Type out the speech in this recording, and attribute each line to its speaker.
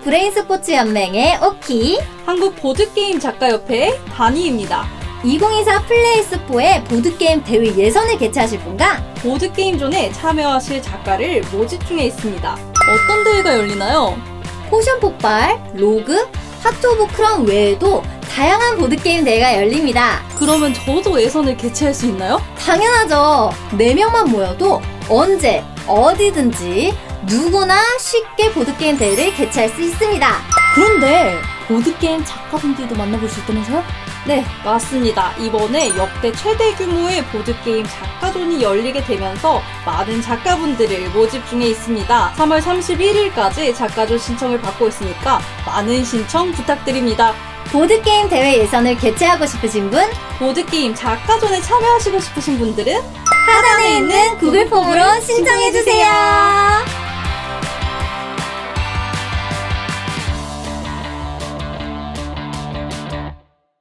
Speaker 1: 브레인스포츠 연맹의 오키,
Speaker 2: 한국 보드게임 작가협회의 다니입니다.
Speaker 1: 2024 플레이스포의 보드게임 대회 예선을 개최하실 분과
Speaker 2: 보드게임존에 참여하실 작가를 모집 중에 있습니다. 어떤 대회가 열리나요?
Speaker 1: 포션 폭발, 로그, 하트 오브 크라운 외에도 다양한 보드게임 대회가 열립니다.
Speaker 2: 그러면 저도 예선을 개최할 수 있나요?
Speaker 1: 당연하죠. 4명만 모여도 언제, 어디든지 누구나 쉽게 보드게임 대회를 개최할 수 있습니다.
Speaker 2: 그런데 보드게임 작가분들도 만나볼 수 있다면서요? 네, 맞습니다. 이번에 역대 최대 규모의 보드게임 작가존이 열리게 되면서 많은 작가분들을 모집 중에 있습니다. 3월 31일까지 작가존 신청을 받고 있으니까 많은 신청 부탁드립니다.
Speaker 1: 보드게임 대회 예선을 개최하고 싶으신 분,
Speaker 2: 보드게임 작가존에 참여하시고 싶으신 분들은
Speaker 1: 하단에 있는 구글 폼으로 신청해주세요.